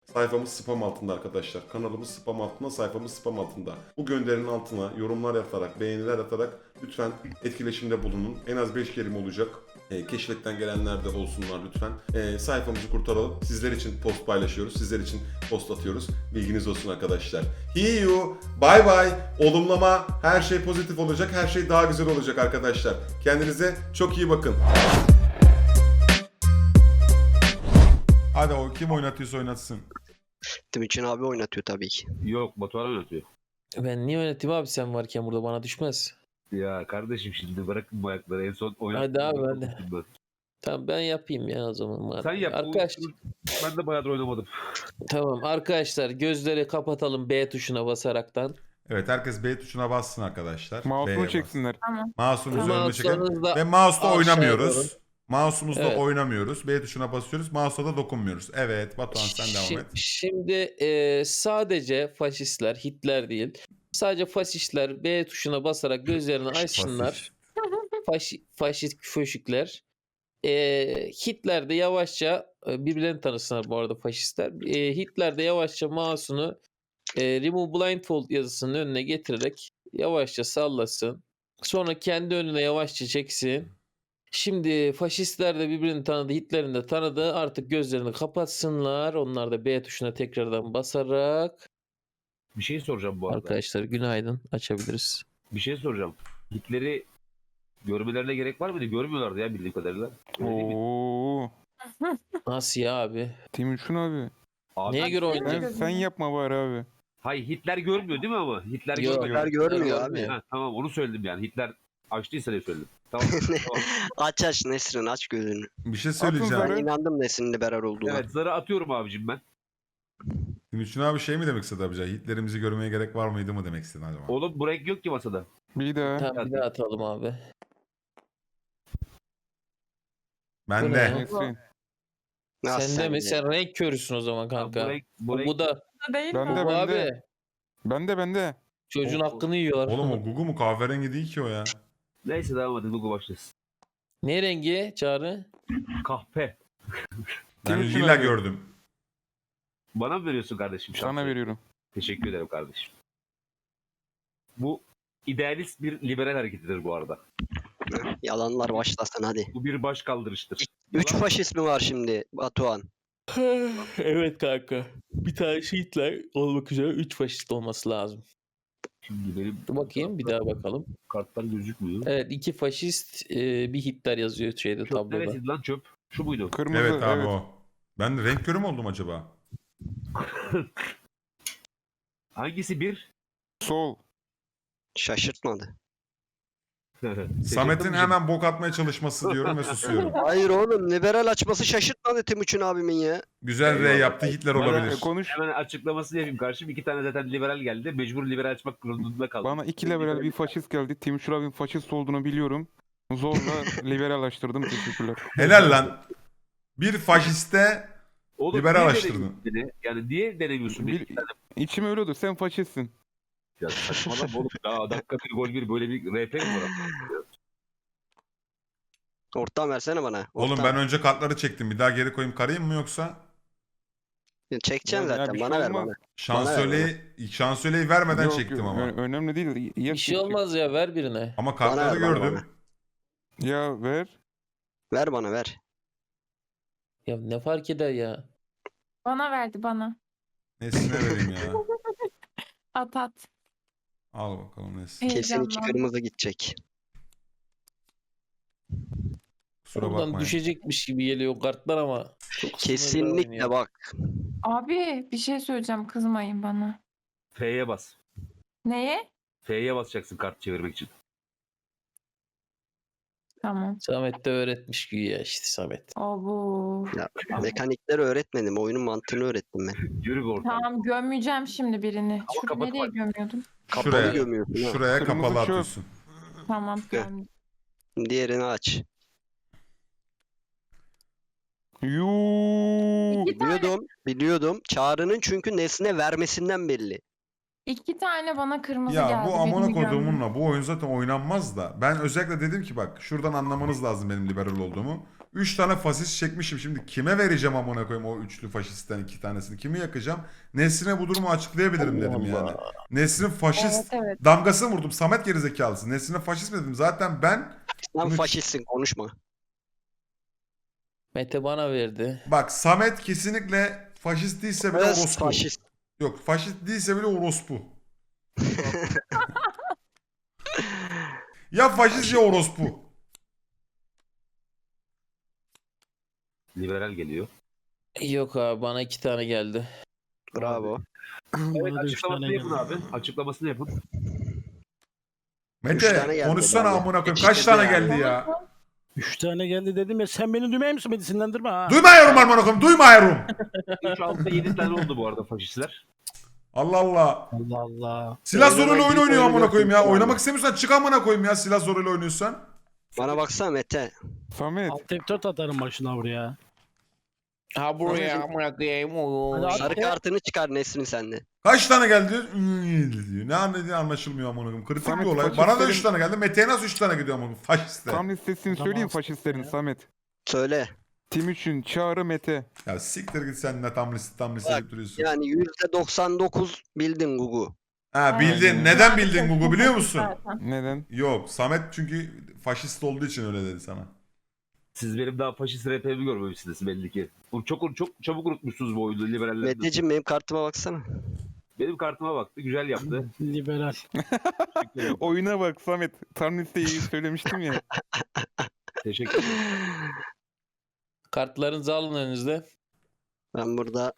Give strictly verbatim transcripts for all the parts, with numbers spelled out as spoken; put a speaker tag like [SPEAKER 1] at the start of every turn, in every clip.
[SPEAKER 1] Sayfamız spam altında arkadaşlar. Kanalımız spam altında, sayfamız spam altında. Bu gönderinin altına yorumlar yatarak, beğeniler atarak lütfen etkileşimde bulunun. En az beş kelime olacak. E, keşfetten gelenler de olsunlar lütfen. E, sayfamızı kurtaralım. Sizler için post paylaşıyoruz. Sizler için post atıyoruz. Bilginiz olsun arkadaşlar. See you. Bye bye. Olumlama. Her şey pozitif olacak. Her şey daha güzel olacak arkadaşlar. Kendinize çok iyi bakın. Hadi o kim oynatıyorsa oynatsın.
[SPEAKER 2] Timuçin abi oynatıyor tabii ki.
[SPEAKER 3] Yok, Batuhan oynatıyor.
[SPEAKER 4] Ben niye oynatayım abi, sen varken burada bana düşmez.
[SPEAKER 3] Ya kardeşim şimdi bırakın bu ayakları. En son oynattım.
[SPEAKER 4] Hadi abi, hadi. Tamam ben yapayım ya o zaman.
[SPEAKER 3] Sen yap.
[SPEAKER 4] Arkadaş,
[SPEAKER 3] Bu- Ben de bayağıdır oynamadım.
[SPEAKER 4] tamam arkadaşlar, gözleri kapatalım B tuşuna basaraktan.
[SPEAKER 1] Evet, herkes B tuşuna bassın arkadaşlar. B'ye
[SPEAKER 5] Mouse'unu
[SPEAKER 1] bas.
[SPEAKER 5] çeksinler.
[SPEAKER 6] Tamam.
[SPEAKER 1] Mouse'un üzerine çekin.
[SPEAKER 4] Mouse'larınızla
[SPEAKER 1] Ve mouse'da
[SPEAKER 4] aşağıya
[SPEAKER 1] oynamıyoruz.
[SPEAKER 4] doğru.
[SPEAKER 1] Mouse'umuzda
[SPEAKER 4] Evet.
[SPEAKER 1] oynamıyoruz. B tuşuna basıyoruz. Mouse'a da dokunmuyoruz. Evet, Batuhan sen devam
[SPEAKER 4] Şi-
[SPEAKER 1] et.
[SPEAKER 4] Şimdi e, sadece faşistler, Hitler değil. Sadece faşistler B tuşuna basarak gözlerini açsınlar. Faşi, faşist föşükler. E, Hitler de yavaşça e, birbirlerini tanısınlar bu arada faşistler. E, Hitler de yavaşça mouse'unu e, Remove Blindfold yazısının önüne getirerek yavaşça sallasın. Sonra kendi önüne yavaşça çeksin. Şimdi faşistler de birbirini tanıdı, Hitler'in de tanıdı. Artık gözlerini kapatsınlar. Onlar da B tuşuna tekrardan basarak.
[SPEAKER 3] Bir şey soracağım bu arada.
[SPEAKER 4] Arkadaşlar günaydın. Açabiliriz.
[SPEAKER 3] Bir şey soracağım. Hitler'i görmelerine gerek var mıydı? Görmüyorlardı ya bildiğim kadarıyla. Öyle değil mi?
[SPEAKER 5] Oo.
[SPEAKER 4] Nasıl ya abi?
[SPEAKER 5] Timuçin abi.
[SPEAKER 3] Abi,
[SPEAKER 4] Neye göre
[SPEAKER 5] Sen,
[SPEAKER 4] oynayacak?
[SPEAKER 5] sen yapma bari abi.
[SPEAKER 3] Hayır, Hitler görmüyor değil mi ama? Hitler
[SPEAKER 4] Yok.
[SPEAKER 3] görmüyor.
[SPEAKER 2] Hitler görmüyor abi.
[SPEAKER 4] görmüyor.
[SPEAKER 3] Ha, tamam onu söyledim yani. Hitler açtıysa diye söyledim. Tamam. tamam.
[SPEAKER 2] Aç aç Nesrin, aç gözünü.
[SPEAKER 1] Bir şey
[SPEAKER 2] Ben
[SPEAKER 1] söyleyeceğim.
[SPEAKER 5] zarı.
[SPEAKER 2] inandım Nesrin'in liberal olduğuna.
[SPEAKER 3] Evet, zarı atıyorum abicim ben.
[SPEAKER 1] Timuçin abi şey mi demek istedi abi? Hitler'imizi görmeye gerek var mıydı mı demek istedi acaba?
[SPEAKER 3] Oğlum bu renk yok ki masada.
[SPEAKER 5] Bir daha.
[SPEAKER 4] Tamam bir daha atalım abi.
[SPEAKER 1] Ben
[SPEAKER 4] Bu
[SPEAKER 1] de.
[SPEAKER 4] ne?
[SPEAKER 5] Nesrin.
[SPEAKER 2] Nasıl
[SPEAKER 4] Sen de mi?
[SPEAKER 2] de?
[SPEAKER 4] Sen renk körüsün o zaman
[SPEAKER 3] Ha,
[SPEAKER 4] kanka.
[SPEAKER 3] bu renk, bu
[SPEAKER 4] Bu,
[SPEAKER 3] renk
[SPEAKER 4] bu da
[SPEAKER 6] Değil
[SPEAKER 5] Ben
[SPEAKER 6] mi?
[SPEAKER 5] de
[SPEAKER 4] bu
[SPEAKER 5] ben
[SPEAKER 4] abi.
[SPEAKER 5] de. Ben de ben de.
[SPEAKER 4] Çocuğun
[SPEAKER 3] O-
[SPEAKER 4] hakkını yiyorlar.
[SPEAKER 1] Oğlum o Gugu mu? Kahverengi değil ki o ya.
[SPEAKER 3] Neyse devam hadi Google başlasın.
[SPEAKER 4] Ne rengi Çağrı?
[SPEAKER 3] Kahpe.
[SPEAKER 1] Ben
[SPEAKER 5] Timuçin
[SPEAKER 1] lila
[SPEAKER 5] abi.
[SPEAKER 1] gördüm.
[SPEAKER 3] Bana mı veriyorsun kardeşim?
[SPEAKER 5] Sana
[SPEAKER 3] şansı?
[SPEAKER 5] veriyorum.
[SPEAKER 3] Teşekkür ederim kardeşim. Bu idealist bir liberal hareketidir bu arada.
[SPEAKER 2] Yalanlar başlasın hadi.
[SPEAKER 3] Bu bir baş kaldırıştır.
[SPEAKER 2] Üç faşist mi var şimdi Batuhan?
[SPEAKER 4] Evet kanka. Bir tane Hitler olmak üzere üç faşist olması lazım.
[SPEAKER 3] Şimdi benim
[SPEAKER 4] Dur bakayım bir daha bakalım.
[SPEAKER 3] kartlar gözükmüyor.
[SPEAKER 4] Evet iki faşist e, bir Hitler yazıyor şeyde
[SPEAKER 3] Çöp
[SPEAKER 4] tabloda.
[SPEAKER 3] neresiydi lan çöp? Şu muydu?
[SPEAKER 5] Kırmızı.
[SPEAKER 1] Evet abi o. Ben de renk körü mü oldum acaba?
[SPEAKER 3] Hangisi bir?
[SPEAKER 5] Sol.
[SPEAKER 2] Şaşırtmadı.
[SPEAKER 1] Samet'in hemen bok atmaya çalışması diyorum ve susuyorum.
[SPEAKER 2] Hayır oğlum, liberal açması şaşırtmadı Timuçin abimin ya.
[SPEAKER 1] Güzel R
[SPEAKER 3] Eyvallah.
[SPEAKER 1] yaptı, Hitler
[SPEAKER 3] Bana-
[SPEAKER 1] olabilir.
[SPEAKER 5] E, konuş.
[SPEAKER 3] Hemen açıklamasını yapayım karşım. İki tane zaten liberal geldi. Mecbur liberal açmak durumunda kaldım.
[SPEAKER 5] Bana iki liberal bir faşist geldi. Timuçin abinin faşist olduğunu biliyorum. Zorla liberallaştırdım. Teşekkürler.
[SPEAKER 1] Helal lan. Bir faşiste
[SPEAKER 3] Oğlum,
[SPEAKER 1] liberal
[SPEAKER 3] niye
[SPEAKER 1] açtırdın.
[SPEAKER 3] denemiyorsun beni? Yani niye denemiyorsun beni?
[SPEAKER 5] Bil- İçim öyle diyor. Sen faşistsin.
[SPEAKER 3] Ya saçmalama oğlum. Ya dakika bir gol bir böyle bir R P mi var?
[SPEAKER 2] Ortam versene bana.
[SPEAKER 1] Oğlum
[SPEAKER 2] Ortam.
[SPEAKER 1] ben önce kartları çektim. Bir daha geri koyayım karayım mı yoksa?
[SPEAKER 2] Çekeceksin
[SPEAKER 5] Ya- ya
[SPEAKER 2] zaten,
[SPEAKER 5] bir şey
[SPEAKER 2] bana ver
[SPEAKER 5] olmaz.
[SPEAKER 2] bana.
[SPEAKER 1] Şansölyeyi, şansölyeyi vermeden
[SPEAKER 5] Yok,
[SPEAKER 1] çektim
[SPEAKER 5] yok,
[SPEAKER 1] ama.
[SPEAKER 5] ö- önemli değil. Ya,
[SPEAKER 4] Bir şey olmaz ya, ver birine.
[SPEAKER 1] Ama
[SPEAKER 2] Bana
[SPEAKER 1] kartları
[SPEAKER 2] ver, bana,
[SPEAKER 1] gördüm.
[SPEAKER 5] Ya ver.
[SPEAKER 2] Ver bana ver.
[SPEAKER 4] Ya ne fark eder ya?
[SPEAKER 6] Bana verdi bana.
[SPEAKER 1] Nesine vereyim ya.
[SPEAKER 6] At at.
[SPEAKER 1] Al bakalım Nesin.
[SPEAKER 2] Kesin iki
[SPEAKER 6] Heyecanlandım.
[SPEAKER 2] kırmızı gidecek.
[SPEAKER 1] Kusura
[SPEAKER 4] Oradan
[SPEAKER 1] bakmayın.
[SPEAKER 4] düşecekmiş gibi geliyor kartlar ama. Çok sınırlı
[SPEAKER 2] Kesinlikle
[SPEAKER 4] oynuyor.
[SPEAKER 2] bak.
[SPEAKER 6] Abi bir şey söyleyeceğim, kızmayın bana.
[SPEAKER 3] F'ye bas.
[SPEAKER 6] Neye?
[SPEAKER 3] F'ye basacaksın kart çevirmek için.
[SPEAKER 6] Tamam.
[SPEAKER 4] Samet de öğretmiş güya işte Samet.
[SPEAKER 6] Abo.
[SPEAKER 2] Ya, mekanikleri öğretmedim. Oyunun mantığını öğrettim ben.
[SPEAKER 3] Yürü bir oradan.
[SPEAKER 6] Tamam, gömeceğim şimdi birini.
[SPEAKER 3] Ama
[SPEAKER 6] Şurada
[SPEAKER 3] kapat
[SPEAKER 6] nereye
[SPEAKER 3] bak.
[SPEAKER 6] gömüyordum?
[SPEAKER 2] Kapalı
[SPEAKER 1] Şuraya.
[SPEAKER 2] gömüyorsun ha.
[SPEAKER 1] Şuraya
[SPEAKER 5] Kırmızı
[SPEAKER 1] kapalı
[SPEAKER 5] çöp.
[SPEAKER 1] atıyorsun.
[SPEAKER 6] Tamam,
[SPEAKER 2] Gel.
[SPEAKER 6] gömdüm.
[SPEAKER 2] Diğerini aç.
[SPEAKER 5] Yuu.
[SPEAKER 6] İki tane,
[SPEAKER 2] Biliyordum. Biliyordum. Çağrı'nın çünkü nesne vermesinden belli.
[SPEAKER 6] iki tane bana kırmızı
[SPEAKER 1] Ya
[SPEAKER 6] geldi.
[SPEAKER 1] bu amına
[SPEAKER 6] birini gömdüm.
[SPEAKER 1] koduğumunla bu oyun zaten oynanmaz da. Ben özellikle dedim ki bak şuradan anlamanız lazım benim liberal olduğumu. üç tane faşist çekmişim. Şimdi kime vereceğim amına koyayım o üçlü faşistten iki tanesini? Kimi yakacağım? Nesrin'e bu durumu açıklayabilirim dedim yani. Nesrin faşist
[SPEAKER 6] Evet evet.
[SPEAKER 1] damgasını vurdum. Samet gerizekalısı. Nesrin'e faşist mi dedim? Zaten ben
[SPEAKER 2] Sen
[SPEAKER 1] Bunu-
[SPEAKER 2] faşistsin konuşma.
[SPEAKER 4] Mete bana verdi.
[SPEAKER 1] bak Samet kesinlikle faşist değilse bile
[SPEAKER 2] Evet,
[SPEAKER 1] orospu.
[SPEAKER 2] faşist.
[SPEAKER 1] Yok faşist değilse bile orospu. Ya faşist ya orospu.
[SPEAKER 3] Liberal geliyor.
[SPEAKER 4] Yok abi bana iki tane geldi.
[SPEAKER 2] Bravo.
[SPEAKER 3] Evet
[SPEAKER 7] Bana da üç tane
[SPEAKER 3] açıklamasını yapın
[SPEAKER 7] geldi.
[SPEAKER 3] abi. Açıklamasını yapın.
[SPEAKER 2] Üç tane
[SPEAKER 1] Mete
[SPEAKER 2] geldi
[SPEAKER 1] konuşsana
[SPEAKER 2] abi.
[SPEAKER 1] amına koyayım. Kaç
[SPEAKER 2] Yetiştirdi
[SPEAKER 1] tane
[SPEAKER 2] yani.
[SPEAKER 1] geldi ya?
[SPEAKER 7] Üç tane geldi dedim ya sen beni düğmeye misin beni sinirlendirme ha.
[SPEAKER 1] Duymuyorum amına koyayım. Duymuyorum.
[SPEAKER 3] üç altı yedi tane oldu bu arada faşistler.
[SPEAKER 1] Allah Allah.
[SPEAKER 7] Allah Allah.
[SPEAKER 1] Silah
[SPEAKER 2] Oynamak
[SPEAKER 1] zoruyla oyun
[SPEAKER 2] değil,
[SPEAKER 1] oynuyor
[SPEAKER 2] oyunu
[SPEAKER 1] amına koyayım ya.
[SPEAKER 2] götürüyor
[SPEAKER 1] Oynamak
[SPEAKER 2] abi.
[SPEAKER 1] istemiyorsan çık amına koyayım ya silah zoruyla oynuyorsan.
[SPEAKER 2] Bana baksana Mete.
[SPEAKER 5] Samet.
[SPEAKER 7] Alt F dört atarım başına buraya.
[SPEAKER 4] Ha buraya amına koyayım.
[SPEAKER 7] Hadi
[SPEAKER 2] Sarı
[SPEAKER 7] abi.
[SPEAKER 2] kartını çıkar Nesrin sende.
[SPEAKER 1] Kaç tane geldi diyor. "Hmm" diyor. Ne anladığı anlaşılmıyor amına koyayım. Kritik
[SPEAKER 5] Samet,
[SPEAKER 1] bir olay. Bana da
[SPEAKER 5] faşistlerin-
[SPEAKER 1] üç tane geldi. Mete'ye nasıl üç tane gidiyor amına koyayım? Faşistler.
[SPEAKER 5] Tam listesini
[SPEAKER 7] Tamam,
[SPEAKER 5] söyleyeyim
[SPEAKER 7] aslında
[SPEAKER 5] faşistlerin
[SPEAKER 7] ya.
[SPEAKER 5] Samet.
[SPEAKER 2] Söyle.
[SPEAKER 5] Timuçin, Çağrı, Mete.
[SPEAKER 1] Ya siktir git sen de tam liste tam liste
[SPEAKER 2] Bak,
[SPEAKER 1] deyip duruyorsun.
[SPEAKER 2] Yani yüzde doksan dokuz bildin Gugu.
[SPEAKER 1] Ha bildin.
[SPEAKER 5] Aynen.
[SPEAKER 1] Neden bildin Google biliyor musun?
[SPEAKER 6] Zaten.
[SPEAKER 5] Neden?
[SPEAKER 1] Yok. Samet çünkü faşist olduğu için öyle dedi sana.
[SPEAKER 3] Siz benim daha faşist R P'mi görmemişsiniz belli ki. Bu çok çok çabuk unutmuşsunuz bu oyunu liberaller.
[SPEAKER 2] Meteciğim benim kartıma baksana.
[SPEAKER 3] Benim kartıma baktı. Güzel yaptı.
[SPEAKER 7] Liberal.
[SPEAKER 3] Teşekkür ederim.
[SPEAKER 5] Oyuna bak Samet. Tam listeyi söylemiştim ya.
[SPEAKER 3] Teşekkür ederim.
[SPEAKER 4] Kartlarınızı alın önünüzde.
[SPEAKER 2] Ben burada...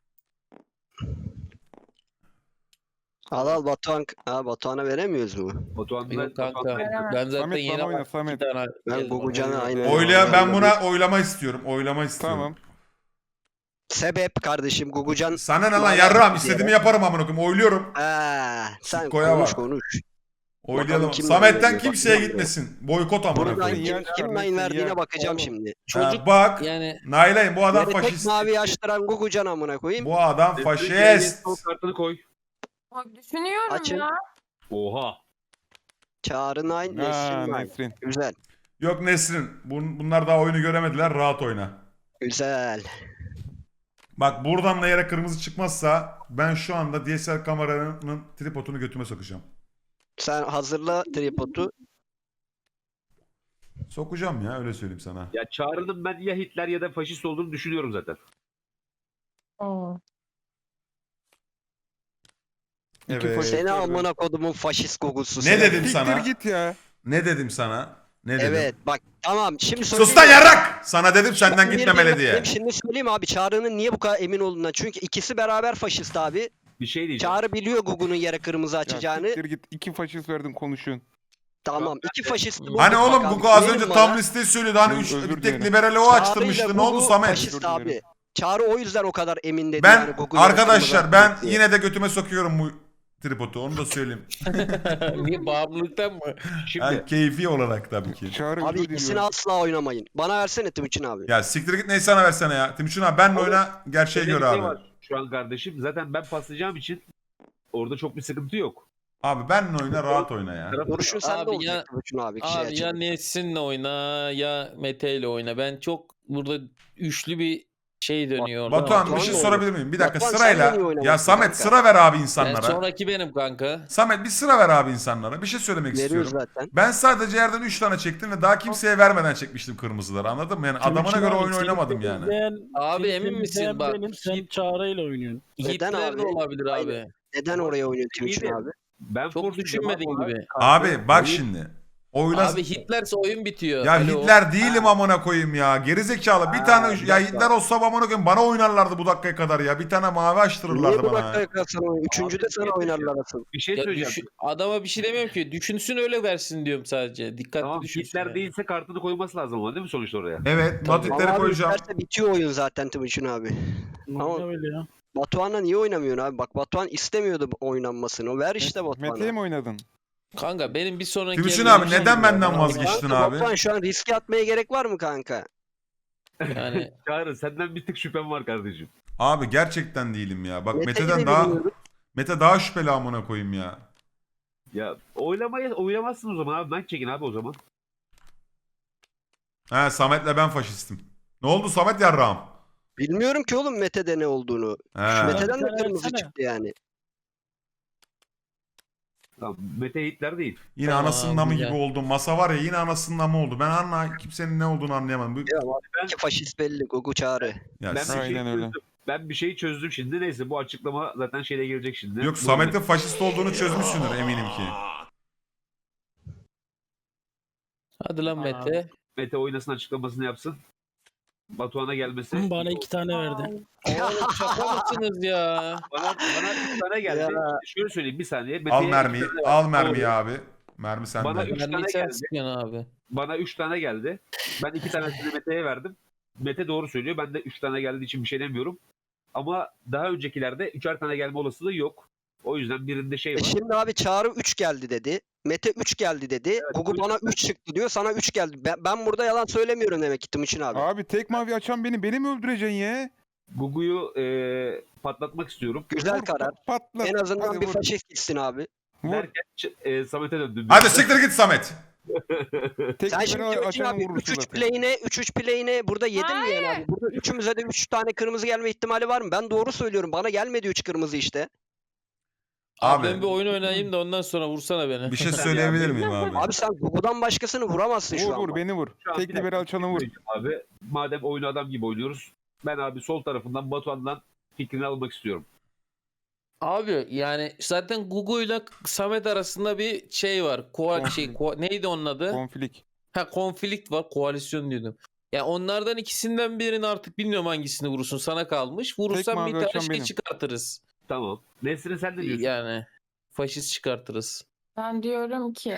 [SPEAKER 2] Al al Batuhan. Ha, Batuhan'a veremiyoruz mu?
[SPEAKER 3] Batuhan'dan
[SPEAKER 4] Yok kanka.
[SPEAKER 6] Veremem.
[SPEAKER 4] Ben zaten
[SPEAKER 5] Samet,
[SPEAKER 4] yeni
[SPEAKER 5] bana oyna,
[SPEAKER 4] bak-
[SPEAKER 5] Samet.
[SPEAKER 4] iki tane
[SPEAKER 2] Ben
[SPEAKER 4] geldi
[SPEAKER 2] Gugu
[SPEAKER 4] bana.
[SPEAKER 2] Can'ı aynı.
[SPEAKER 1] Oylaya ben buna oylama istiyorum. Oylama istiyorum.
[SPEAKER 5] Tamam.
[SPEAKER 2] Sebep kardeşim Gugucan.
[SPEAKER 1] Sana ne lan
[SPEAKER 2] Vallahi
[SPEAKER 1] yarrağım
[SPEAKER 2] bir
[SPEAKER 1] istediğimi
[SPEAKER 2] yere.
[SPEAKER 1] yaparım amına koyayım. Oyluyorum.
[SPEAKER 2] Ha, sen
[SPEAKER 1] Koya
[SPEAKER 2] konuş
[SPEAKER 1] bak.
[SPEAKER 2] konuş.
[SPEAKER 1] Oylayalım.
[SPEAKER 2] Bakalım kim
[SPEAKER 1] Samet'ten
[SPEAKER 2] oynuyor,
[SPEAKER 1] kimseye
[SPEAKER 2] bakalım.
[SPEAKER 1] gitmesin. Boykot amına
[SPEAKER 2] Buradan
[SPEAKER 1] koyayım.
[SPEAKER 2] kim,
[SPEAKER 5] Yer
[SPEAKER 2] kim
[SPEAKER 5] çıkar,
[SPEAKER 2] nine
[SPEAKER 5] yer.
[SPEAKER 2] verdiğine bakacağım
[SPEAKER 4] Oğlum.
[SPEAKER 2] şimdi.
[SPEAKER 1] Ha,
[SPEAKER 4] Çocuk
[SPEAKER 1] bak.
[SPEAKER 4] yani
[SPEAKER 1] Nailayım bu adam
[SPEAKER 2] Beni tek
[SPEAKER 1] faşist.
[SPEAKER 2] mavi açtıran Gugucan amına koyayım.
[SPEAKER 1] Bu adam
[SPEAKER 3] Nesrin,
[SPEAKER 1] faşist.
[SPEAKER 3] sol kartını koy.
[SPEAKER 6] Bak düşünüyorum
[SPEAKER 2] Açın.
[SPEAKER 6] ya.
[SPEAKER 3] Oha.
[SPEAKER 2] Çağrı Nine,
[SPEAKER 5] Aa,
[SPEAKER 2] Nesrin Nine.
[SPEAKER 5] Nesrin.
[SPEAKER 2] Güzel.
[SPEAKER 1] Yok Nesrin. Bun- bunlar daha oyunu göremediler. Rahat oyna.
[SPEAKER 2] Güzel.
[SPEAKER 1] Bak buradan da yere kırmızı çıkmazsa ben şu anda D S L R kameranın tripodunu götüme sokacağım.
[SPEAKER 2] Sen hazırla tripodu.
[SPEAKER 1] Sokacağım ya öyle söyleyeyim sana.
[SPEAKER 3] Ya Çağrı'nın ben ya Hitler ya da faşist olduğunu düşünüyorum zaten.
[SPEAKER 6] Oo.
[SPEAKER 5] İki
[SPEAKER 1] Evet.
[SPEAKER 5] faşist
[SPEAKER 2] Seni
[SPEAKER 5] var
[SPEAKER 2] amına kodumun faşist Gugu'su.
[SPEAKER 1] Ne
[SPEAKER 2] seni.
[SPEAKER 1] dedim
[SPEAKER 5] Siktir
[SPEAKER 1] sana?
[SPEAKER 5] git ya.
[SPEAKER 1] Ne dedim sana? Ne dedim?
[SPEAKER 2] Evet bak tamam şimdi
[SPEAKER 1] Sus lan
[SPEAKER 2] söyleyeyim.
[SPEAKER 1] yarrak! Sana dedim senden
[SPEAKER 2] Ben bir
[SPEAKER 1] gitmemeli
[SPEAKER 2] bilmem
[SPEAKER 1] diye.
[SPEAKER 2] dedim, Şimdi söyleyeyim abi Çağrı'nın niye bu kadar emin olduğuna. Çünkü ikisi beraber faşist abi.
[SPEAKER 3] Bir şey diyeceğim.
[SPEAKER 2] Çağrı biliyor Gugu'nun yere kırmızı
[SPEAKER 5] Ya
[SPEAKER 2] açacağını.
[SPEAKER 5] siktir git. İki faşist verdin konuşun.
[SPEAKER 2] Tamam iki faşist. bulduk
[SPEAKER 1] Hani oğlum
[SPEAKER 2] bakalım.
[SPEAKER 1] Gugu az
[SPEAKER 2] Güvenin
[SPEAKER 1] önce
[SPEAKER 2] bana.
[SPEAKER 1] tam listeyi söylüyordu. Hani
[SPEAKER 5] Özür
[SPEAKER 1] üç, bir
[SPEAKER 5] dilerim.
[SPEAKER 1] tek liberali o
[SPEAKER 2] Çağrı'yla
[SPEAKER 1] açtırmıştı. Ne oldu
[SPEAKER 2] Gugu
[SPEAKER 1] Samet?
[SPEAKER 2] Faşist
[SPEAKER 5] Özür
[SPEAKER 2] abi.
[SPEAKER 5] dilerim.
[SPEAKER 2] Çağrı o yüzden o kadar emin dedi
[SPEAKER 1] Ben
[SPEAKER 2] yani Gugu yere
[SPEAKER 1] arkadaşlar
[SPEAKER 2] kırmızı
[SPEAKER 1] ben
[SPEAKER 2] açacak diye.
[SPEAKER 1] yine de götüme sokuyorum bu tripodu. Onu da söyleyeyim.
[SPEAKER 4] niye bağımlılıktan mı?
[SPEAKER 3] Şimdi
[SPEAKER 1] Yani keyfi olarak tabii ki.
[SPEAKER 5] Çağrı
[SPEAKER 2] Abi
[SPEAKER 5] özür
[SPEAKER 2] ikisini
[SPEAKER 5] diliyorum.
[SPEAKER 2] asla oynamayın. Bana versene Timuçin abi.
[SPEAKER 1] Ya siktir git neyse sana versene ya. Timuçin abi benle
[SPEAKER 3] Oğlum,
[SPEAKER 1] oyna gerçeğe
[SPEAKER 3] şöyle
[SPEAKER 1] göre
[SPEAKER 3] bir şey
[SPEAKER 1] abi.
[SPEAKER 3] var şu an kardeşim. Zaten ben paslayacağım için orada çok bir sıkıntı yok.
[SPEAKER 1] Abi benle oyna rahat oyna ya.
[SPEAKER 3] Tarafı-
[SPEAKER 2] Duruşun sende
[SPEAKER 4] Abi
[SPEAKER 2] olacak
[SPEAKER 4] ya-
[SPEAKER 2] Timuçin abi. Kişi
[SPEAKER 4] Abi ya
[SPEAKER 2] açılır.
[SPEAKER 4] Nesrin'le oyna ya Mete ile oyna. Ben çok burada üçlü bir şey dönüyor orada.
[SPEAKER 1] Batuhan bir
[SPEAKER 2] Batuhan
[SPEAKER 1] şey
[SPEAKER 2] da
[SPEAKER 1] sorabilir miyim? Bir dakika
[SPEAKER 2] Batuhan,
[SPEAKER 1] sırayla.
[SPEAKER 2] sen de niye oynamadın
[SPEAKER 1] Ya Samet
[SPEAKER 2] kanka?
[SPEAKER 1] sıra ver abi
[SPEAKER 4] Ben
[SPEAKER 1] insanlara.
[SPEAKER 4] sonraki benim kanka.
[SPEAKER 1] Samet bir sıra ver abi insanlara. Bir şey söylemek
[SPEAKER 2] Veriyor
[SPEAKER 1] istiyorum.
[SPEAKER 2] zaten.
[SPEAKER 1] Ben sadece yerden üç tane çektim ve daha kimseye vermeden çekmiştim kırmızıları anladın mı? Yani adamına
[SPEAKER 7] Timuçin
[SPEAKER 1] göre
[SPEAKER 7] abi,
[SPEAKER 1] oyun
[SPEAKER 7] seni
[SPEAKER 1] oynamadım yani.
[SPEAKER 7] temizleyen-
[SPEAKER 4] Abi
[SPEAKER 7] seni
[SPEAKER 4] emin misin?
[SPEAKER 7] temizleyen
[SPEAKER 4] Bak,
[SPEAKER 7] Benim, sen
[SPEAKER 4] Hit-
[SPEAKER 7] Çağrı'yla oynuyorsun.
[SPEAKER 2] Neden
[SPEAKER 4] Hitler de
[SPEAKER 2] abi?
[SPEAKER 4] olabilir
[SPEAKER 2] Aynen.
[SPEAKER 4] abi.
[SPEAKER 2] Neden oraya oynuyor Timuçin
[SPEAKER 3] de-
[SPEAKER 2] abi?
[SPEAKER 3] Ben
[SPEAKER 4] Çok
[SPEAKER 3] force
[SPEAKER 4] düşünmediğin
[SPEAKER 3] cevap
[SPEAKER 4] gibi.
[SPEAKER 3] olarak
[SPEAKER 1] Abi
[SPEAKER 3] kartı-
[SPEAKER 1] bak şimdi. Oyla...
[SPEAKER 4] Abi Hitlerse oyun bitiyor.
[SPEAKER 1] Ya
[SPEAKER 4] Alo.
[SPEAKER 1] Hitler değilim amına koyayım ya. Gerizekalı. Bir
[SPEAKER 3] Ha,
[SPEAKER 1] tane
[SPEAKER 3] bir
[SPEAKER 1] ya
[SPEAKER 3] dakika.
[SPEAKER 1] Hitler olsa amına koyayım bana oynarlardı bu dakikaya kadar ya. Bir tane mavi
[SPEAKER 2] Niye
[SPEAKER 1] açtırırlardı
[SPEAKER 2] bu
[SPEAKER 1] bana.
[SPEAKER 2] dakikaya
[SPEAKER 1] ya.
[SPEAKER 2] kadar sana oynuyor? Üçüncüde
[SPEAKER 3] Abi,
[SPEAKER 2] sana
[SPEAKER 3] bir şey
[SPEAKER 2] oynarlar asıl.
[SPEAKER 3] Bir şey
[SPEAKER 4] Ya
[SPEAKER 3] söyleyeceğim.
[SPEAKER 4] düşün- adama bir şey demiyorum ki. Düşünsün öyle versin diyorum sadece. Dikkatli
[SPEAKER 3] Tamam
[SPEAKER 4] düşünsün.
[SPEAKER 3] Hitler
[SPEAKER 4] yani.
[SPEAKER 3] değilse kartını koyması lazım ama değil mi sonuçta oraya?
[SPEAKER 1] Evet,
[SPEAKER 4] Tabii.
[SPEAKER 1] Madridleri
[SPEAKER 2] Ama abi
[SPEAKER 1] koyacağım.
[SPEAKER 2] isterse bitiyor oyun zaten Timuçin abi. Ama-
[SPEAKER 7] Ne öyle ya?
[SPEAKER 2] Batuhan'la niye oynamıyorsun abi? Bak Batuhan istemiyordu bu oynanmasını. Ver işte
[SPEAKER 5] Mete'ye
[SPEAKER 2] Batuhan'a.
[SPEAKER 5] mi oynadın?
[SPEAKER 4] Kanka benim bir sonraki
[SPEAKER 1] Timuçin
[SPEAKER 4] evliliğim
[SPEAKER 1] abi
[SPEAKER 4] şey
[SPEAKER 1] neden
[SPEAKER 4] gibi
[SPEAKER 1] benden
[SPEAKER 4] ya.
[SPEAKER 1] vazgeçtin
[SPEAKER 2] Kanka
[SPEAKER 1] abi?
[SPEAKER 2] Batuhan şu an riske atmaya gerek var mı kanka?
[SPEAKER 4] Yani
[SPEAKER 3] Çağrı senden bir tık şüphem var kardeşim.
[SPEAKER 1] Abi gerçekten değilim ya. Bak
[SPEAKER 2] Mete'yi
[SPEAKER 1] Mete'den
[SPEAKER 2] de
[SPEAKER 1] daha
[SPEAKER 2] bilmiyorum.
[SPEAKER 1] Mete daha şüpheli amına koyayım ya.
[SPEAKER 3] Ya oylamayı oylamazsın o zaman abi. Ben çekin abi o zaman.
[SPEAKER 8] He Samet'le ben faşistim. Ne oldu Samet yarrağım?
[SPEAKER 2] Bilmiyorum ki oğlum Mete'de ne olduğunu.
[SPEAKER 8] He.
[SPEAKER 2] Mete'den de
[SPEAKER 7] Bir tane
[SPEAKER 2] kırmızı
[SPEAKER 7] versene.
[SPEAKER 2] çıktı yani.
[SPEAKER 3] Tamam, Mete Hitler değil.
[SPEAKER 8] Yine
[SPEAKER 4] Tamam,
[SPEAKER 8] anasının namı
[SPEAKER 4] güzel.
[SPEAKER 8] gibi oldu. Masa var ya yine anasının namı oldu. Ben anla kimsenin ne olduğunu anlayamadım. Bu...
[SPEAKER 2] Ya iki faşist belli. Gugu Çağrı.
[SPEAKER 8] Ya,
[SPEAKER 3] Ben
[SPEAKER 8] s-
[SPEAKER 3] bir şey
[SPEAKER 5] Aynen öyle.
[SPEAKER 3] çözdüm. Ben bir şeyi çözdüm şimdi. Neyse bu açıklama zaten şeyle gelecek şimdi.
[SPEAKER 8] Yok
[SPEAKER 3] Bu-
[SPEAKER 8] Samet'in faşist olduğunu çözmüşsündür eminim ki.
[SPEAKER 4] Hadi lan Mete.
[SPEAKER 3] Mete oynasın açıklamasını yapsın. Batuhan'a gelmesi.
[SPEAKER 7] Bana iki tane verdi.
[SPEAKER 4] Oğlum şaka mısınız ya?
[SPEAKER 3] Bana, bana üç tane geldi.
[SPEAKER 2] Ya.
[SPEAKER 3] Şöyle söyleyeyim bir saniye.
[SPEAKER 8] Al
[SPEAKER 3] Mete'ye
[SPEAKER 8] mermiyi.
[SPEAKER 3] üç tane
[SPEAKER 8] Al
[SPEAKER 3] verdim.
[SPEAKER 8] mermiyi
[SPEAKER 3] Doğru.
[SPEAKER 8] abi. Mermi sende.
[SPEAKER 3] Bana üç
[SPEAKER 4] Ben
[SPEAKER 3] tane
[SPEAKER 4] sen
[SPEAKER 3] geldi.
[SPEAKER 4] sıkıyorsun abi.
[SPEAKER 3] Bana üç tane geldi. Ben iki tanesini Mete'ye verdim. Mete doğru söylüyor. Ben de üç tane geldiği için bir şey demiyorum. Ama daha öncekilerde üçer tane gelme olasılığı yok. O yüzden birinde şey
[SPEAKER 2] E
[SPEAKER 3] var.
[SPEAKER 2] şimdi abi Çağrı üç geldi dedi. Mete üç geldi dedi. Gugu
[SPEAKER 3] üç-
[SPEAKER 2] bana üç çıktı diyor. Sana üç geldi. Ben, ben burada yalan söylemiyorum demek ki Timuçin abi.
[SPEAKER 5] Abi tek mavi açan beni. Beni mi öldüreceksin ya?
[SPEAKER 3] Gugu'yu e, patlatmak istiyorum.
[SPEAKER 2] Güzel
[SPEAKER 5] Vur,
[SPEAKER 2] karar.
[SPEAKER 5] Patlat.
[SPEAKER 2] En azından
[SPEAKER 5] Hadi
[SPEAKER 2] bir
[SPEAKER 5] vur,
[SPEAKER 2] faşist gitsin abi.
[SPEAKER 5] vur.
[SPEAKER 3] Derken ç- e, Samet'e döndüm.
[SPEAKER 8] Hadi siktir git Samet.
[SPEAKER 5] Tek
[SPEAKER 2] Sen şimdi
[SPEAKER 5] liberal
[SPEAKER 2] Timuçin
[SPEAKER 5] açanı
[SPEAKER 2] abi
[SPEAKER 5] vurursun
[SPEAKER 2] üç üç
[SPEAKER 5] zaten.
[SPEAKER 2] play'ine üç üç play'ine burada yedin mi yani abi? Burada üçümüze de üç tane kırmızı gelme ihtimali var mı? Ben doğru söylüyorum. Bana gelmedi üç kırmızı işte.
[SPEAKER 4] Abi,
[SPEAKER 8] Abi
[SPEAKER 4] ben bir oyun oynayayım da ondan sonra vursana beni.
[SPEAKER 8] bir şey söyleyebilir miyim abi?
[SPEAKER 2] Abi sen Gugu'dan başkasını vuramazsın şu
[SPEAKER 5] Vur
[SPEAKER 2] an.
[SPEAKER 5] vur
[SPEAKER 2] bak.
[SPEAKER 5] beni vur.
[SPEAKER 3] Şu an
[SPEAKER 5] Tek
[SPEAKER 3] bir dakika,
[SPEAKER 5] liberal açanı vur.
[SPEAKER 3] Abi madem oyunu adam gibi oynuyoruz. Ben abi sol tarafından Batuhan'dan fikrini almak istiyorum.
[SPEAKER 4] Abi yani zaten Gugu ile Samet arasında bir şey var. Koal şey, ko- neydi onun adı?
[SPEAKER 5] Konflik.
[SPEAKER 4] Ha konflikt var. Koalisyon diyordum. Ya onlardan ikisinden birini artık bilmiyorum hangisini vurursun. Sana kalmış. Vurursan
[SPEAKER 5] mavi
[SPEAKER 4] bir tane
[SPEAKER 5] açan
[SPEAKER 4] şey
[SPEAKER 5] benim.
[SPEAKER 4] çıkartırız.
[SPEAKER 3] Tamam. Nesrin sen ne diyorsun?
[SPEAKER 4] Yani faşist çıkartırız.
[SPEAKER 6] Ben diyorum ki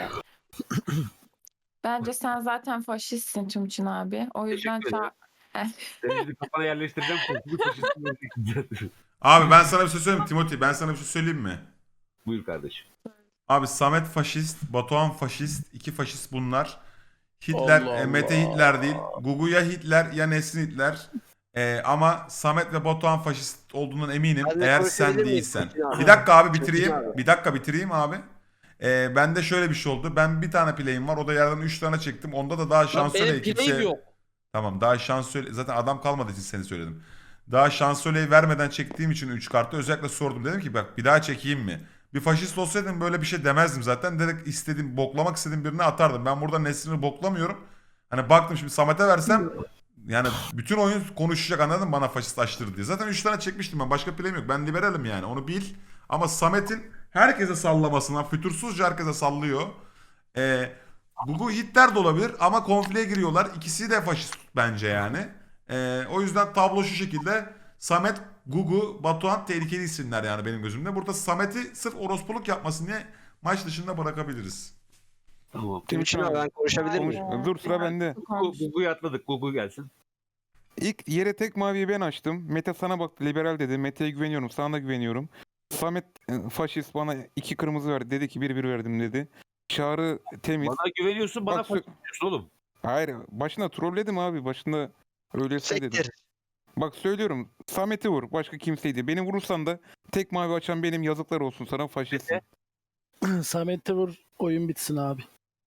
[SPEAKER 6] bence sen zaten faşistsin Timuçin abi. O yüzden
[SPEAKER 3] Teşekkür
[SPEAKER 6] ça-
[SPEAKER 3] Seni şimdi kafana yerleştireceğim. Korkulu faşistin yerleştireceğim.
[SPEAKER 8] Abi ben sana bir şey söyleyeyim mi Timothy? Ben sana bir şey söyleyeyim mi?
[SPEAKER 3] Buyur kardeşim.
[SPEAKER 8] Abi Samet faşist, Batuhan faşist, iki faşist bunlar. Hitler,
[SPEAKER 4] Allah
[SPEAKER 8] e, Mete
[SPEAKER 4] Allah.
[SPEAKER 8] Hitler değil. Gugu ya Hitler ya Nesrin Hitler. E, ama Samet ve Batuhan faşist olduğundan eminim.
[SPEAKER 2] Ben de
[SPEAKER 8] Eğer
[SPEAKER 2] konuşabilir
[SPEAKER 8] sen
[SPEAKER 2] miyim
[SPEAKER 8] değilsen.
[SPEAKER 2] Timuçin abi?
[SPEAKER 8] Bir dakika abi
[SPEAKER 2] Timuçin
[SPEAKER 8] bitireyim.
[SPEAKER 2] abi.
[SPEAKER 8] Bir dakika bitireyim abi. E, bende şöyle bir şey oldu. Ben bir tane play'im var. O da yerden üç tane çektim. Onda da daha
[SPEAKER 4] Lan
[SPEAKER 8] şansölye
[SPEAKER 4] benim play'im
[SPEAKER 8] kimse...
[SPEAKER 4] yok.
[SPEAKER 8] Tamam daha şansölye... Zaten adam kalmadığı için seni söyledim. Daha şansölyeyi vermeden çektiğim için üç kartı özellikle sordum. Dedim ki bak bir daha çekeyim mi? Bir faşist olsaydım böyle bir şey demezdim zaten. Direkt istediğim, boklamak istediğim birine atardım. Ben burada Nesrin'i boklamıyorum. Hani baktım şimdi Samet'e versem yani bütün oyun konuşacak anladın mı bana faşist açtır diye. Zaten üç tane çekmiştim ben. Başka play'im yok. Ben liberalim yani onu bil. Ama Samet'in herkese sallamasına, fütursuzca herkese sallıyor. Ee, Gugu Hitler de olabilir ama konfliğe giriyorlar. İkisi de faşist bence yani. Ee, o yüzden tablo şu şekilde. Samet, Gugu, Batuhan tehlikeli isimler yani benim gözümde. Burada Samet'i sırf orospuluk yapmasın diye maç dışında bırakabiliriz.
[SPEAKER 3] Tamam.
[SPEAKER 2] Timuçin abi ben konuşabilir
[SPEAKER 5] Konuş.
[SPEAKER 2] miyim?
[SPEAKER 5] Dur sıra bende.
[SPEAKER 3] Gugu- Gugu'yu atladık. Gugu gelsin.
[SPEAKER 5] İlk yere tek maviyi ben açtım. Mete sana baktı liberal dedi. Mete'ye güveniyorum. Sana da güveniyorum. Samet e, faşist bana iki kırmızı verdi. Dedi ki bir bir verdim dedi. Çağrı temiz.
[SPEAKER 3] Bana güveniyorsun, bana
[SPEAKER 5] Bak,
[SPEAKER 3] faşist diyorsun oğlum.
[SPEAKER 5] Hayır başında trolledim abi. Başında öyleyse dedim.
[SPEAKER 2] Sektir.
[SPEAKER 5] Bak söylüyorum. Samet'i vur. Başka kimseydi. Beni vurursan da tek mavi açan benim yazıklar olsun sana faşistsin.
[SPEAKER 7] Samet'e vur oyun bitsin abi.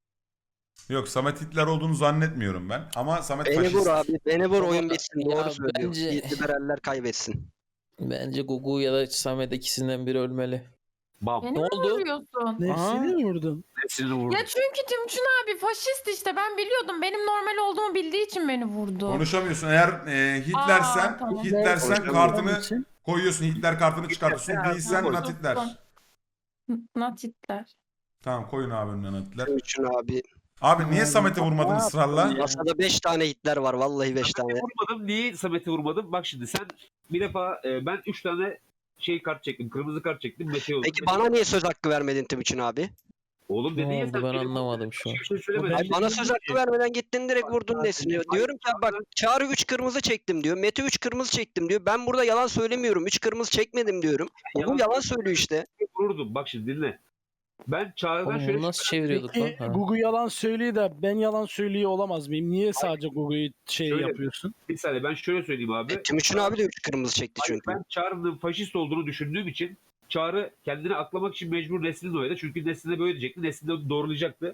[SPEAKER 8] Yok Samet Hitler olduğunu zannetmiyorum ben. Ama Samet
[SPEAKER 2] Beni
[SPEAKER 8] faşist.
[SPEAKER 2] vur abi. Beni vur
[SPEAKER 4] Ama
[SPEAKER 2] oyun bitsin.
[SPEAKER 4] ya
[SPEAKER 2] Doğru söylüyor.
[SPEAKER 4] bence-
[SPEAKER 2] Liberaller kaybetsin.
[SPEAKER 4] Bence Gugu ya da Samet ikisinden biri ölmeli.
[SPEAKER 3] Bam.
[SPEAKER 6] Beni
[SPEAKER 4] Ne
[SPEAKER 6] mi
[SPEAKER 4] oldu?
[SPEAKER 6] vuruyorsun?
[SPEAKER 7] Nefsini mi vurdun?
[SPEAKER 3] Nesrin'i vurdu.
[SPEAKER 6] Ya çünkü Timuçin abi faşist işte ben biliyordum. Benim normal olduğumu bildiği için beni vurdu.
[SPEAKER 8] Konuşamıyorsun. Eğer e, Hitlersen,
[SPEAKER 6] Aa, tamam.
[SPEAKER 8] Hitlersen
[SPEAKER 3] Evet.
[SPEAKER 8] kartını
[SPEAKER 7] için.
[SPEAKER 8] koyuyorsun. Hitler kartını çıkartıyorsun.
[SPEAKER 3] Hitler,
[SPEAKER 8] Değilsen
[SPEAKER 3] Hitler.
[SPEAKER 8] Nat Hitler.
[SPEAKER 6] Not Hitler.
[SPEAKER 8] Tamam koyun abi önüne Nat Hitler.
[SPEAKER 2] Timuçin abi.
[SPEAKER 8] Abi niye Samet'i vurmadın ısrarla?
[SPEAKER 2] Masada beş tane Hitler var. Vallahi beş tane.
[SPEAKER 3] Samet'i vurmadım. Niye Samet'i vurmadım? Bak şimdi sen bir defa e, ben üç tane şey kart çektim. Kırmızı kart çektim. Mete oldu.
[SPEAKER 2] Peki bana niye söz hakkı vermedin Timuçin abi?
[SPEAKER 3] Oğlum
[SPEAKER 4] Ne
[SPEAKER 3] dedin ya
[SPEAKER 4] oldu
[SPEAKER 3] sen
[SPEAKER 4] ben
[SPEAKER 3] benim-
[SPEAKER 4] anlamadım şu an.
[SPEAKER 3] Bir şey söylemedin.
[SPEAKER 2] Ay bana söz hakkı vermeden gittin direkt vurdun Nesrin'i. Diyorum ki bak Çağrı üç kırmızı çektim diyor. Mete üç kırmızı çektim diyor. Ben burada yalan söylemiyorum. üç kırmızı çekmedim diyorum. Bu yalan söylüyor işte.
[SPEAKER 3] Vururdum. Bak şimdi dinle. Ben Çağrı'dan
[SPEAKER 4] Oğlum
[SPEAKER 3] şöyle
[SPEAKER 4] bunu nasıl çeviriyorduk lan?
[SPEAKER 7] Peki
[SPEAKER 4] Ha.
[SPEAKER 7] Gugu yalan söylüyor da ben yalan söylüyor olamaz mıyım? Niye sadece Gugu'yu şey
[SPEAKER 3] Şöyle-
[SPEAKER 7] yapıyorsun?
[SPEAKER 3] bir saniye ben şöyle söyleyeyim abi.
[SPEAKER 2] E, Timuçin abi de üç kırmızı çekti
[SPEAKER 3] Hayır,
[SPEAKER 2] çünkü.
[SPEAKER 3] ben Çağrı'nın faşist olduğunu düşündüğüm için Çağrı kendini aklamak için mecbur Nesrin'i oynadı. Çünkü Nesrin'e böyle diyecekti. Nesrin de doğrulayacaktı.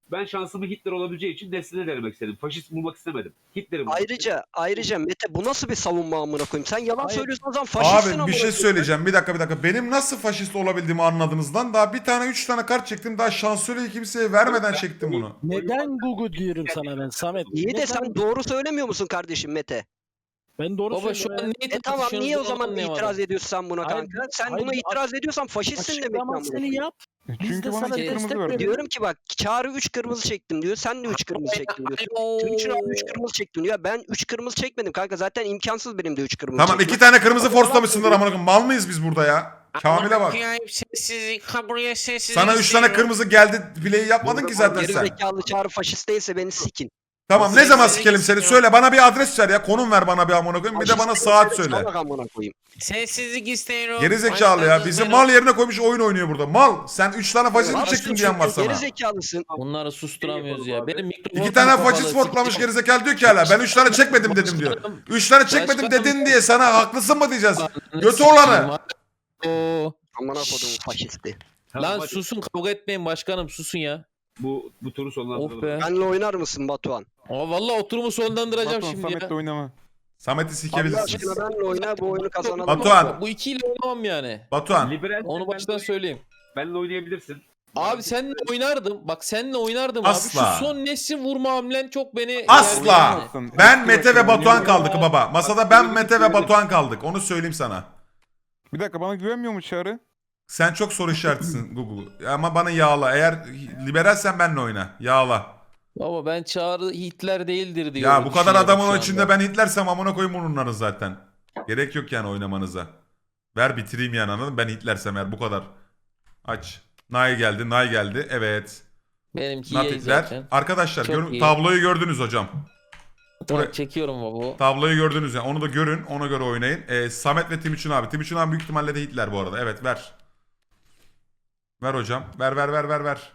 [SPEAKER 3] Ben şansımı Hitler olabileceği için Nesli'ne denemek istedim. Faşist bulmak istemedim. Hitler'i bulmak istedim.
[SPEAKER 2] Ayrıca ayrıca Mete bu nasıl bir savunma amına koyayım? Sen yalan
[SPEAKER 7] Hayır.
[SPEAKER 2] söylüyorsun o zaman faşistsin
[SPEAKER 8] Abi
[SPEAKER 2] amına
[SPEAKER 8] bir şey
[SPEAKER 2] koyayım.
[SPEAKER 8] söyleyeceğim. Bir dakika bir dakika. Benim nasıl faşist olabildiğimi anladınız lan. Daha bir tane üç tane kart çektim. Daha şansölyeyi kimseye vermeden çektim bunu.
[SPEAKER 7] Neden Gugu diyorum sana ben Samet?
[SPEAKER 2] İyi de
[SPEAKER 7] Neden?
[SPEAKER 2] sen doğru söylemiyor musun kardeşim Mete?
[SPEAKER 7] Ben doğru
[SPEAKER 4] Baba şu
[SPEAKER 7] söylüyorum.
[SPEAKER 4] an neyi
[SPEAKER 2] E tamam niye o zaman
[SPEAKER 4] anlayamadım.
[SPEAKER 2] itiraz ediyorsun sen buna
[SPEAKER 7] Hayır,
[SPEAKER 2] kanka? Sen
[SPEAKER 7] hayır,
[SPEAKER 2] buna
[SPEAKER 7] bir
[SPEAKER 2] itiraz ediyorsan faşistsin demek ki amına
[SPEAKER 7] Açıklamasını
[SPEAKER 2] koyayım.
[SPEAKER 7] yap. Biz
[SPEAKER 5] Çünkü
[SPEAKER 7] de
[SPEAKER 5] bana
[SPEAKER 7] sana
[SPEAKER 5] iki kırmızı
[SPEAKER 7] destek
[SPEAKER 5] verdi.
[SPEAKER 7] veriyoruz.
[SPEAKER 2] Diyorum ki bak Çağrı üç kırmızı çektim diyor. Sen de üç kırmızı çektin diyorsun. Timuçin abi üç kırmızı çektim diyor. Ben üç kırmızı çekmedim kanka. Zaten imkansız benim de üç kırmızı
[SPEAKER 8] Tamam
[SPEAKER 2] çekmem.
[SPEAKER 8] iki tane kırmızı forslamışsınlar amına koyayım. Mal mıyız biz burada ya? Kamil'e bak.
[SPEAKER 4] Sessizlik, kaburaya sessizlik
[SPEAKER 8] Sana üç tane
[SPEAKER 4] istiyorum.
[SPEAKER 8] kırmızı geldi. Play'i yapmadın ki zaten
[SPEAKER 2] Geri
[SPEAKER 8] sen.
[SPEAKER 2] zekalı Çağrı faşist değilse beni sikin.
[SPEAKER 8] Tamam ne
[SPEAKER 4] Sessizlik
[SPEAKER 8] zaman sikelim seni?
[SPEAKER 4] istiyorum.
[SPEAKER 8] Söyle bana bir adres ver ya. Konum ver bana bir amına koyayım. Bir de
[SPEAKER 2] Faşist
[SPEAKER 8] bana
[SPEAKER 2] değilse
[SPEAKER 8] saat
[SPEAKER 2] de
[SPEAKER 8] söyle.
[SPEAKER 2] salak amına koyayım.
[SPEAKER 4] Sessizlik istiyorum.
[SPEAKER 8] Geri zekalı ya. Bizi mal yerine koymuş oyun oynuyor burada. Mal. Sen üç tane faşist mi
[SPEAKER 2] Haklısın
[SPEAKER 8] çektin diyen var
[SPEAKER 2] çünkü,
[SPEAKER 8] sana.
[SPEAKER 2] Geri zekalısın.
[SPEAKER 4] Bunları susturamıyoruz ya. Benim mikrofonum
[SPEAKER 8] İki tane
[SPEAKER 4] kapalı,
[SPEAKER 8] faşist fortlamış
[SPEAKER 4] sikeceğim.
[SPEAKER 8] gerizekalı diyor ki hala. Ben üç tane çekmedim dedim diyor. Üç tane çekmedim
[SPEAKER 4] Başkanım-
[SPEAKER 8] dedin diye sana haklısın mı diyeceğiz?
[SPEAKER 4] Ananı
[SPEAKER 8] Götü
[SPEAKER 4] sikeyim
[SPEAKER 8] olanı.
[SPEAKER 4] ha. Oo.
[SPEAKER 2] Amına koydum faşisti.
[SPEAKER 3] Tamam,
[SPEAKER 4] Lan
[SPEAKER 3] hadi.
[SPEAKER 4] susun kavga etmeyin başkanım susun ya.
[SPEAKER 3] Bu, bu turu
[SPEAKER 4] Of
[SPEAKER 3] sonlandıralım.
[SPEAKER 4] be.
[SPEAKER 2] Benle oynar mısın Batuhan?
[SPEAKER 4] Aa, vallahi oturumu sonlandıracağım
[SPEAKER 5] Batuhan
[SPEAKER 4] şimdi
[SPEAKER 5] Samet'le
[SPEAKER 4] ya.
[SPEAKER 5] oynama.
[SPEAKER 8] Samet'i
[SPEAKER 2] Allah
[SPEAKER 8] sikebilirsiniz.
[SPEAKER 2] aşkına benle oyna bu oyunu kazanalım.
[SPEAKER 8] Batuhan.
[SPEAKER 4] Bu ikiyle oynamam yani.
[SPEAKER 8] Batuhan.
[SPEAKER 3] Liberal
[SPEAKER 4] Onu baştan söyleyeyim.
[SPEAKER 3] benle oynayabilirsin.
[SPEAKER 4] Abi seninle oynardım. Bak seninle oynardım
[SPEAKER 8] Asla.
[SPEAKER 4] abi. Şu son Nesin vurma hamlen çok beni...
[SPEAKER 8] Asla.
[SPEAKER 4] Yani-
[SPEAKER 5] Oynayamazsın.
[SPEAKER 8] Ben
[SPEAKER 5] Eski
[SPEAKER 8] Mete ve
[SPEAKER 5] başkanım,
[SPEAKER 8] Batuhan
[SPEAKER 5] oynayamam.
[SPEAKER 8] kaldık baba. Masada ben Mete ve Batuhan kaldık. Onu söyleyeyim sana.
[SPEAKER 5] Bir dakika bana güvenmiyor mu Çağrı?
[SPEAKER 8] Sen çok soru işaretisin Google. Ama bana yağla. Eğer liberalsen benle oyna. Yağla.
[SPEAKER 4] Baba ben Çağrı Hitler değildir diyorum.
[SPEAKER 8] Ya bu kadar
[SPEAKER 4] düşünüyorum
[SPEAKER 8] adamın
[SPEAKER 4] şu
[SPEAKER 8] içinde
[SPEAKER 4] anda.
[SPEAKER 8] ben Hitlersem amına koyayım onları zaten. Gerek yok yani oynamanıza. Ver bitireyim yani anladın mı? Ben Hitlersem eğer bu kadar. Aç. Nay geldi, Nay geldi. Evet.
[SPEAKER 4] Benimki
[SPEAKER 8] Not
[SPEAKER 4] iyi
[SPEAKER 8] Hitler.
[SPEAKER 4] zaten.
[SPEAKER 8] Arkadaşlar
[SPEAKER 4] Çok
[SPEAKER 8] görün,
[SPEAKER 4] iyi.
[SPEAKER 8] tabloyu gördünüz hocam.
[SPEAKER 4] Tamam,
[SPEAKER 8] Buraya-
[SPEAKER 4] çekiyorum baba.
[SPEAKER 8] Tabloyu gördünüz yani. Onu da görün. Ona göre oynayın. Ee, Samet ve Timuçin abi. Timuçin abi büyük ihtimalle de Hitler bu arada. Evet ver. Ver hocam. Ver ver ver ver ver.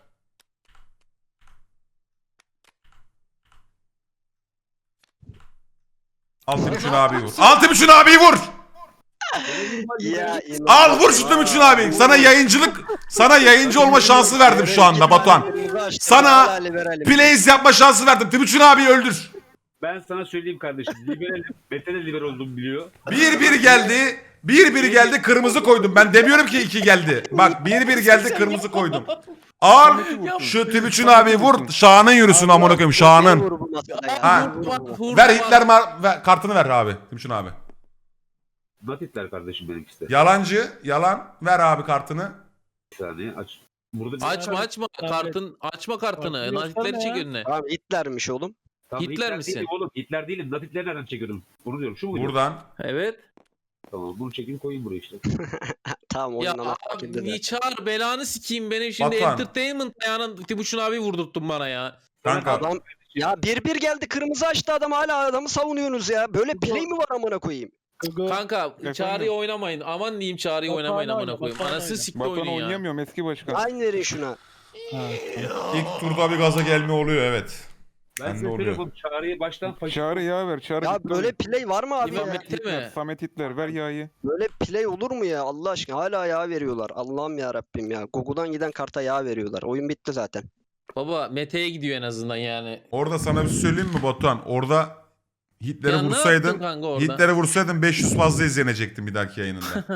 [SPEAKER 8] Al Timuçin abi vur. Al Timuçin abi vur.
[SPEAKER 2] Ya,
[SPEAKER 8] Al vur şu Timuçin abi. Sana yayıncılık, sana yayıncı olma şansı verdim şu anda Batuhan. Sana Plays yapma şansı verdim. Timuçin abi öldür.
[SPEAKER 3] Ben sana söyleyeyim kardeşim. Liberalim. Mete de liberal olduğumu biliyor.
[SPEAKER 8] Bir bir geldi. Bir bir geldi kırmızı koydum. Ben demiyorum ki iki geldi. Bak bir bir geldi kırmızı koydum. Al şu Timuçin abi vur. Şahanın yürüsün amına koyayım Şahanın. Ha. Ver Hitler mar- ver, kartını ver abi Timuçin abi.
[SPEAKER 3] Not Hitler kardeşim benimkisi de.
[SPEAKER 8] Yalancı yalan ver abi kartını.
[SPEAKER 3] Bir saniye aç. Burada
[SPEAKER 4] Açma açma kartın açma kartını.
[SPEAKER 7] Kartını
[SPEAKER 4] Nazitleri
[SPEAKER 7] gösterme
[SPEAKER 4] çek
[SPEAKER 7] ya.
[SPEAKER 4] önüne.
[SPEAKER 2] Tamam Hitler'miş oğlum.
[SPEAKER 3] Tamam,
[SPEAKER 4] Hitler misin?
[SPEAKER 3] Değilim oğlum. Hitler değilim. Not Hitler nereden çekiyordum? Onu diyorum. Şu mu? diyorum?
[SPEAKER 8] Buradan.
[SPEAKER 4] Evet.
[SPEAKER 3] Tamam bunu çekeyim koyayım buraya işte.
[SPEAKER 2] Tamam
[SPEAKER 4] Ya
[SPEAKER 2] oyundan hak
[SPEAKER 4] abi
[SPEAKER 2] edildi.
[SPEAKER 4] çağır belanı sikeyim benim şimdi
[SPEAKER 8] Batuhan.
[SPEAKER 4] entertainment ayağının Timuçin abi vurdurttun bana ya.
[SPEAKER 8] Kanka.
[SPEAKER 2] Adam ya bir bir geldi kırmızı açtı adam hala adamı savunuyorsunuz ya. Böyle play mi var amına koyayım?
[SPEAKER 7] Gugu.
[SPEAKER 4] Kanka
[SPEAKER 5] Efendim?
[SPEAKER 4] Çağrı'yı oynamayın. Aman diyeyim Çağrı'yı
[SPEAKER 7] Batuhan
[SPEAKER 4] oynamayın amına
[SPEAKER 7] oyna,
[SPEAKER 4] koyayım.
[SPEAKER 7] Batuhan
[SPEAKER 4] Anasını
[SPEAKER 7] oyna.
[SPEAKER 4] sikti
[SPEAKER 5] Batuhan
[SPEAKER 4] oyunun ya.
[SPEAKER 5] oynayamıyorum eski başkan.
[SPEAKER 2] Aynı verin şuna.
[SPEAKER 7] Ha.
[SPEAKER 8] İlk turda bir gaza gelme oluyor evet.
[SPEAKER 3] Ben
[SPEAKER 8] Bende
[SPEAKER 3] size
[SPEAKER 8] oluyor.
[SPEAKER 3] söylüyorum Çağrı'yı baştan faşist.
[SPEAKER 5] Çağrı yağ ver. Çağrı
[SPEAKER 2] Ya
[SPEAKER 5] Hitler.
[SPEAKER 2] böyle play var mı abi
[SPEAKER 4] İmam
[SPEAKER 2] ya?
[SPEAKER 4] Mete
[SPEAKER 5] Hitler,
[SPEAKER 4] mi?
[SPEAKER 5] Samet Hitler ver yağı.
[SPEAKER 2] Böyle play olur mu ya Allah aşkına? Hala yağ veriyorlar. Allah'ım ya Rabbim ya. Google'dan giden karta yağ veriyorlar. Oyun bitti zaten.
[SPEAKER 4] Baba Mete'ye gidiyor en azından yani.
[SPEAKER 8] Orada sana bir şey söyleyeyim mi Batuhan? Orada Hitler'i
[SPEAKER 4] Ya ne yaptın
[SPEAKER 8] vursaydın,
[SPEAKER 4] kanka orada?
[SPEAKER 8] Hitler'i vursaydın beş yüz fazla izlenecektin bir dahaki yayınında.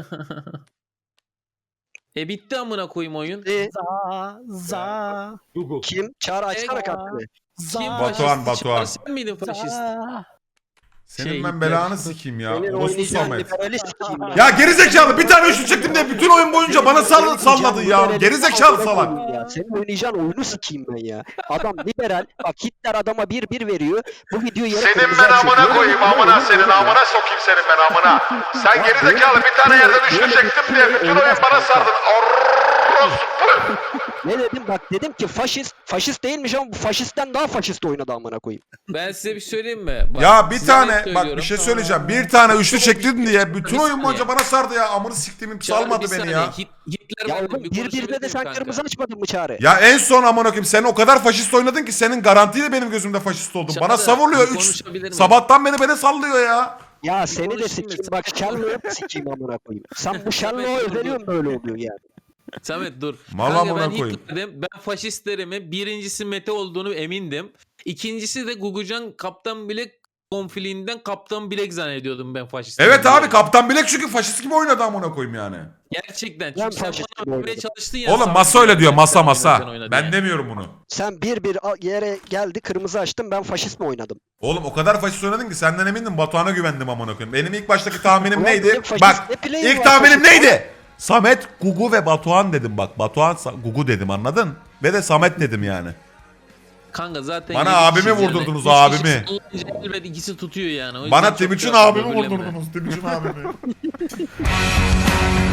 [SPEAKER 4] E bitti amına koyayım oyun.
[SPEAKER 2] E,
[SPEAKER 7] Za za
[SPEAKER 3] Google.
[SPEAKER 2] kim? Çağrı açsana
[SPEAKER 7] Ega.
[SPEAKER 2] kartını.
[SPEAKER 7] za.
[SPEAKER 4] Kim
[SPEAKER 8] Batuhan,
[SPEAKER 4] faşist?
[SPEAKER 8] Batuhan.
[SPEAKER 4] Sen miydin faşist?
[SPEAKER 7] za.
[SPEAKER 8] Senin
[SPEAKER 4] Şey,
[SPEAKER 8] ben
[SPEAKER 4] Hitler.
[SPEAKER 8] belanı sikeyim ya.
[SPEAKER 2] Senin
[SPEAKER 8] Orospu
[SPEAKER 2] oynayacağın
[SPEAKER 8] Samet.
[SPEAKER 2] liberali sikeyim ya.
[SPEAKER 8] Ya gerizekalı bir tane üçlü çektim de bütün oyun boyunca bana sall salladın ya. Gerizekalı salak.
[SPEAKER 2] Ya. Senin oynayacağın oyunu sikeyim ben ya. Adam liberal. Bak Hitler adama bir bir veriyor. Bu video yarı
[SPEAKER 1] Senin
[SPEAKER 2] kırmızı
[SPEAKER 1] ben
[SPEAKER 2] açıyor.
[SPEAKER 1] amına
[SPEAKER 2] Böyle
[SPEAKER 1] koyayım
[SPEAKER 2] bir
[SPEAKER 1] amına
[SPEAKER 2] oyun
[SPEAKER 1] senin
[SPEAKER 2] yok ya.
[SPEAKER 1] amına sokayım senin ben amına. Sen gerizekalı bir tane yerden üçlü çektim diye bütün oyun bana sardın. Orospu.
[SPEAKER 2] Ne dedim? Bak dedim ki faşist. Faşist değilmiş ama bu faşistten daha faşist oynadı amına koyayım.
[SPEAKER 4] Ben size bir söyleyeyim mi? Bak,
[SPEAKER 8] Ya bir
[SPEAKER 4] size
[SPEAKER 8] tane
[SPEAKER 4] net
[SPEAKER 8] bak bir
[SPEAKER 4] söylüyorum.
[SPEAKER 8] şey söyleyeceğim. Bir tane üçlü çektin diye bütün
[SPEAKER 4] Bir
[SPEAKER 8] oyun
[SPEAKER 4] saniye.
[SPEAKER 8] boyunca bana sardı ya. Amını siktiğimi
[SPEAKER 4] Çağrı,
[SPEAKER 8] salmadı
[SPEAKER 4] bir
[SPEAKER 8] beni
[SPEAKER 4] saniye.
[SPEAKER 8] ya.
[SPEAKER 4] Hit- Hitler
[SPEAKER 2] Ya
[SPEAKER 4] vardı,
[SPEAKER 2] oğlum bir birde
[SPEAKER 4] konuşabilir
[SPEAKER 2] de sen
[SPEAKER 4] miyim kanka?
[SPEAKER 2] kırmızı açmadın mı Çağrı?
[SPEAKER 8] Ya en son amına koyayım sen o kadar faşist oynadın ki senin garantiyle benim gözümde faşist oldun. Bana
[SPEAKER 4] Çağrı,
[SPEAKER 8] savuruyor
[SPEAKER 4] bir
[SPEAKER 8] üç.
[SPEAKER 4] konuşabilir miyim?
[SPEAKER 8] Sabahtan beni beni sallıyor ya.
[SPEAKER 2] Ya seni de
[SPEAKER 4] konuşayım
[SPEAKER 2] sikeyim.
[SPEAKER 4] mı?
[SPEAKER 2] Bak Sherlock'u sikeyim amına koyayım. Sen bu
[SPEAKER 4] Samet,
[SPEAKER 2] Sherlock'a
[SPEAKER 4] dur, dur.
[SPEAKER 2] özeniyorsun böyle oluyor yani.
[SPEAKER 4] Samet dur.
[SPEAKER 8] Mal
[SPEAKER 4] Kanka
[SPEAKER 8] amına
[SPEAKER 4] ben
[SPEAKER 8] koyayım.
[SPEAKER 4] Hitler'dim. Ben faşistlerimin birincisi Mete olduğunu emindim. İkincisi de Gugucan Kaptan Bilek konfiliğinden Kaptan Bilek zannediyordum ben faşist.
[SPEAKER 8] Evet abi Kaptan Bilek çünkü faşist gibi oynadı amına koyayım yani.
[SPEAKER 4] Gerçekten.
[SPEAKER 2] Ben
[SPEAKER 4] Çünkü sen
[SPEAKER 2] faşist gibi
[SPEAKER 4] bana vermeye
[SPEAKER 2] oynadım.
[SPEAKER 4] çalıştın ya.
[SPEAKER 8] Oğlum
[SPEAKER 4] Samet
[SPEAKER 8] masa öyle
[SPEAKER 4] Bilek
[SPEAKER 8] diyor masa
[SPEAKER 4] sen
[SPEAKER 8] masa.
[SPEAKER 4] oynadın
[SPEAKER 8] Ben
[SPEAKER 4] yani.
[SPEAKER 8] demiyorum bunu.
[SPEAKER 2] Sen bir bir a- yere geldi kırmızı açtın ben faşist mi oynadım?
[SPEAKER 8] Oğlum o kadar faşist oynadın ki senden emindim Batuhan'a güvendim amına koyayım. Benim ilk baştaki tahminim
[SPEAKER 2] Ulan
[SPEAKER 8] neydi?
[SPEAKER 2] benim faşist
[SPEAKER 8] Bak
[SPEAKER 2] ne play'im
[SPEAKER 8] ilk
[SPEAKER 2] var
[SPEAKER 8] tahminim
[SPEAKER 2] faşist?
[SPEAKER 8] neydi? Samet, Gugu ve Batuhan dedim bak. Batuhan, Sa- Gugu dedim anladın? Ve de Samet dedim yani.
[SPEAKER 4] Kanka zaten
[SPEAKER 8] Bana
[SPEAKER 4] yedi
[SPEAKER 8] abimi
[SPEAKER 4] kişiyiz yani.
[SPEAKER 8] vurdurdunuz,
[SPEAKER 4] Üç kişi
[SPEAKER 8] abimi.
[SPEAKER 4] olunca elbet ikisi tutuyor yani. O yüzden
[SPEAKER 8] Bana
[SPEAKER 4] çok
[SPEAKER 8] Timuçin
[SPEAKER 4] şey yapma,
[SPEAKER 8] abimi
[SPEAKER 4] böbürlenme.
[SPEAKER 8] vurdurdunuz. Timuçin abimi.